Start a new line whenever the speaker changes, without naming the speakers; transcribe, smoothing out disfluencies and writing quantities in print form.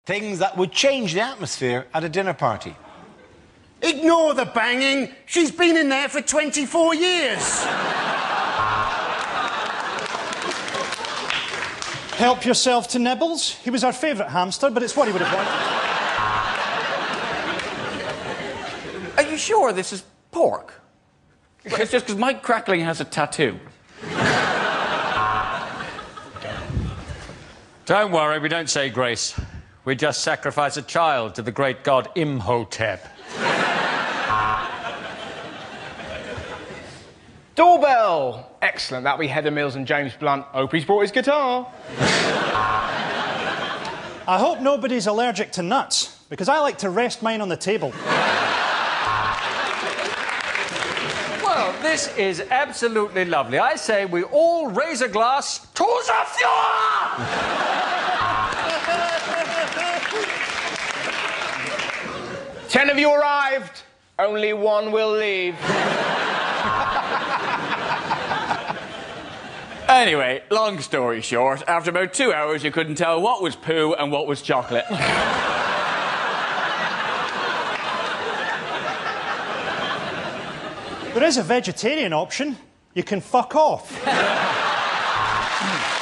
Things that would change the atmosphere at a dinner party.
Ignore the banging. She's been in there for 24 years.
Help yourself to Nibbles. He was our favourite hamster, but it's what he would have wanted.
Are you sure this is pork? It's just because Mike Crackling has a tattoo.
Don't worry, we don't say grace. We just sacrifice a child to the great god Imhotep.
Doorbell! Excellent. That'll be Heather Mills and James Blunt. Hope he's brought his guitar.
I hope nobody's allergic to nuts, because I like to rest mine on the table.
Well, this is absolutely lovely. I say we all raise a glass to the Fuhrer!
10 of you arrived. Only one will leave.
Anyway, long story short, after about 2 hours, you couldn't tell what was poo and what was chocolate.
There is a vegetarian option. You can fuck off.